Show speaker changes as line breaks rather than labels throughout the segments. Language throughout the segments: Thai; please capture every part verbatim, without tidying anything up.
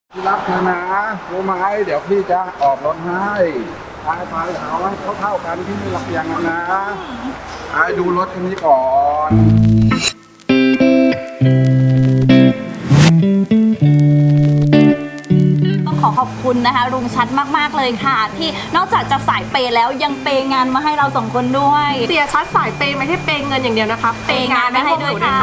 พี่รักเธอนะรู้ไหมเดี๋ยวพี่จะออกรถให้ไปไปเอาให้เขาเท่ากันพี่ไม่รักอย่างนั้นนะไอ้ดูรถคันนี้ก่อน
ต้องขอขอบคุณนะคะลุงชัดมากๆเลยค่ะที่นอกจากจะสายเปย์แล้วยังเปย์งานมาให้เราสองคนด้วย
เสียชัดสายเปย์ไม่ใช่เปย์เงินอย่างเดียวนะคะ
เปย์งานมาให้ด้วยค่ะ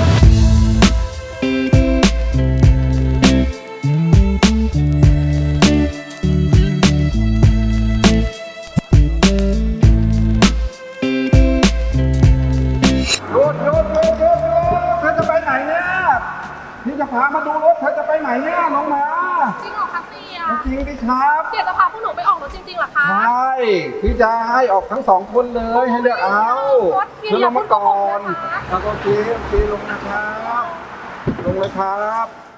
หยุดหยุดหยุดหยุดหยุดเธอจะไปไหนเนี่ยพี่จะพามาดูรถเธอจะไปไหนเนี่ยน้องหมา
จริงเหรอคะเสีย
จริงดิครับ
เสียจะพาพวกหนูไปออกรถจริงๆเหรอคะ
ใช่พี่จะให้ออกทั้งสองคนเลยให้เลือกเอาเธอลงมาก่อนแล้วก็โอเคโอเคลงนะครับลงเลยครับ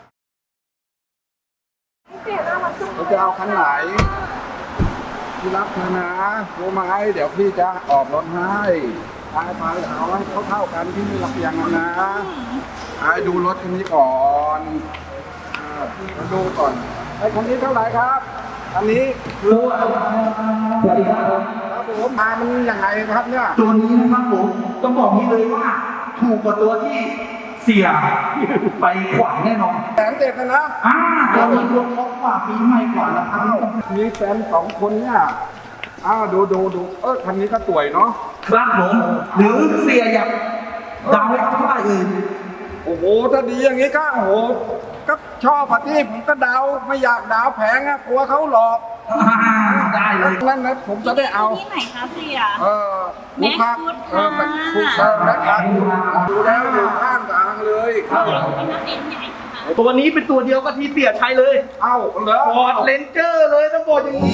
เสียน่ารักจัง
เราจะเอาคันไหนพี่รักเธอนะรู้ไหมเดี๋ยวพี่จะออกรถให้ไปไปเอาให้เขาเท่ากันพี่ไม่รักอย่างนั้นนะไอ้ดูรถคันนี้ก่อนอ่ามาดูก่อนไอ้คันนี้เท่าไหร่ครับอันนี้คือ
สวัสดีครับ
ครับผมมามันยังไงครับเนี่ย
ตัวนี้นะครับผมต้องบอกนี้เลยว่าถูกกว่าตัวที่เสียไปขวัญแน่นอน
แสนเจ็ดนะนะ
อ่าตัวนี้รวมครบกว่าปีใหม่กว่าแล้วครับ
อ้าวมีแฟนสองคนเนี่ยอ้าวดูดูดูเออคันนี้ก็สวยเนาะ
ครับผมหรือเสียอยากดาวให้เท่าไหร่เอ่ย
โอ้โหถ้าดีอย่างนี้ก็โอ้โหก็ชอบอะที่ผมก็ดาวไม่อยากดาวแพงอะกลัวเขาหลอก
อ่าได้เลย
นั่นนะผมจะได้เอา
ที่ไหนคะเสีย
เออลูกค้า
แม็กซ์
เออ
ค่ะ
ถูกต้องนะครับดูแล้วอยู่ข้างทางเลยเข้า
ตัวนี้เป็นตัวเดียวกับที่เสียใช้เลย
เอ้าเหรอ
ฟอร์ดเลนเจอร์เลยต้องบอกอย่างนี้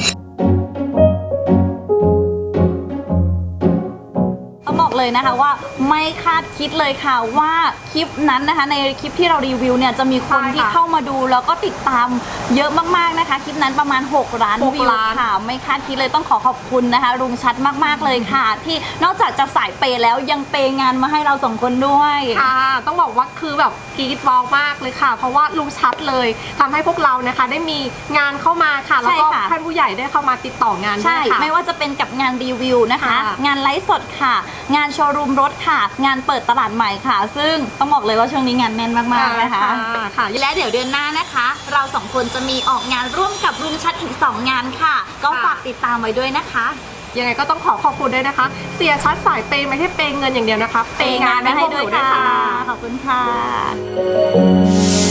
ต้องบอกเลยนะคะว่าไม่คาดคิดเลยค่ะว่าคลิปนั้นนะคะในคลิปที่เรารีวิวเนี่ยจะมีคนที่เข้ามาดูแล้วก็ติดตามเยอะมากๆนะคะคลิปนั้นประมาณหกล้านวิวค่ะไม่คาดคิดเลยต้องขอขอบคุณนะคะลุงชัดมากๆเลยค่ะ ที่นอกจากจะสายเปย์แล้วยังเปย์งานมาให้เราสองคนด้วย
ค่ะ ต้องบอกว่าคือแบบกรี๊ดบอลมากเลยค่ะ เพราะว่าลุงชัดเลยทำให้พวกเรานะคะได้มีงานเข้ามาค่ะ แล้วก็
ใช่ค่ะ
ท่านผู้ใหญ่ได้เข้ามาติดต่องานด้
ใช่
วยค่ะ
ไม่ว่าจะเป็นกับงานรีวิวนะคะ
ค่ะ
งานไลฟ์สดค่ะ งานโชว์รูมรถค่ะ งานเปิดตลาดใหม่ค่ะ ซึ่งต้องบอกเลยว่าช่วงนี้งานแน่นมากๆนะคะ
ค่ะ
และเดี๋ยวเดือนหน้านะคะ เราสองคนจะมีออกงานร่วมกับลุงชัดอีกสองงานค่ะ ก็ฝากติดตามไว้ด้วยนะคะ
ยังไงก็ต้องขอขอบคุณด้วยนะคะ เสียชัดสายเปย์ไม่ใช่เปย์เงินอย่างเดียวนะคะ
เปย์งานมาให้ด้วยค่ะ ขอบคุณค่ะ